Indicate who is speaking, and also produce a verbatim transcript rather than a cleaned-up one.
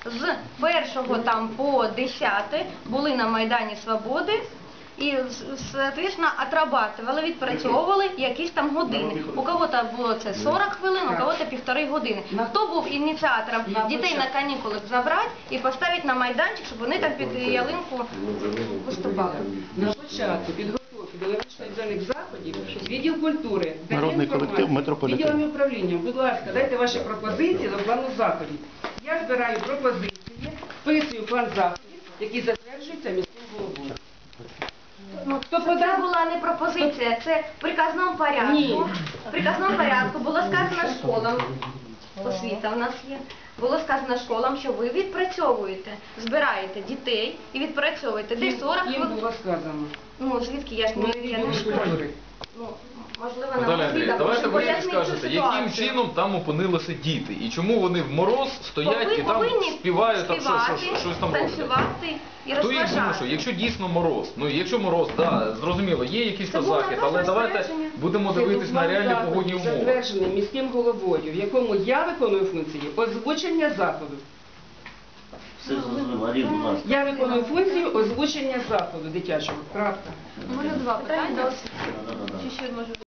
Speaker 1: з першого там по десяте були на Майдані Свободи і, соответственно, отрабатывали, відпрацьовували якісь там години. У кого-то було це сорок хвилин, у кого-то півтори години. Хто був ініціатором дітей на канікулах забрати і поставити на майданчик, щоб вони там під ялинку виступали?
Speaker 2: На початку підготовки до навчально-навчальних заходів відділ культури,
Speaker 3: Народний колектив «Метрополітен».
Speaker 2: відділом управління, будь ласка, дайте ваші пропозиції до плану заходів. Я збираю пропозиції, вписую план заходів, який затверджується міським головою.
Speaker 1: Ну, це була не пропозиція, це в приказному порядку.
Speaker 2: Ні.
Speaker 1: В приказному порядку було сказано школам, освіта в нас є, було сказано школам, що ви відпрацьовуєте, збираєте дітей і відпрацьовуєте. Десь сорок
Speaker 2: Їм
Speaker 1: хвилин.
Speaker 2: було сказано.
Speaker 1: Ну, звідки я ж не, я не школа. Ну, можливо,
Speaker 4: Наталя
Speaker 1: нам
Speaker 4: Андріївна,
Speaker 1: освіта
Speaker 4: давайте ви
Speaker 1: пояснить цю
Speaker 4: скажете, яким
Speaker 1: ситуацію.
Speaker 4: чином там опинилися діти і чому вони в мороз стоять
Speaker 1: Повинні-
Speaker 4: і там
Speaker 1: повинні
Speaker 4: співають, там, що, що,
Speaker 1: співати,
Speaker 4: щось там роблять.
Speaker 1: танцювати і
Speaker 4: Хто їх
Speaker 1: розважати.
Speaker 4: змушує? Якщо дійсно мороз, ну якщо мороз, да, зрозуміло, є якийсь
Speaker 1: Це
Speaker 4: то
Speaker 1: було
Speaker 4: захід,
Speaker 1: просто
Speaker 4: але давайте
Speaker 1: розпорядження.
Speaker 4: будемо
Speaker 2: Це
Speaker 4: дивитись на
Speaker 2: план
Speaker 4: реальні
Speaker 2: заходів,
Speaker 4: погодні умови.
Speaker 2: затверджений міським головою, в якому я виконую функції озвучення заходу.
Speaker 5: Все зрозуміло, Марія, будь ласка.
Speaker 2: Я виконую функцію озвучення заходу дитячого. Крапка.
Speaker 1: У мене два питання.
Speaker 5: Да-да-да.
Speaker 1: Чи ще може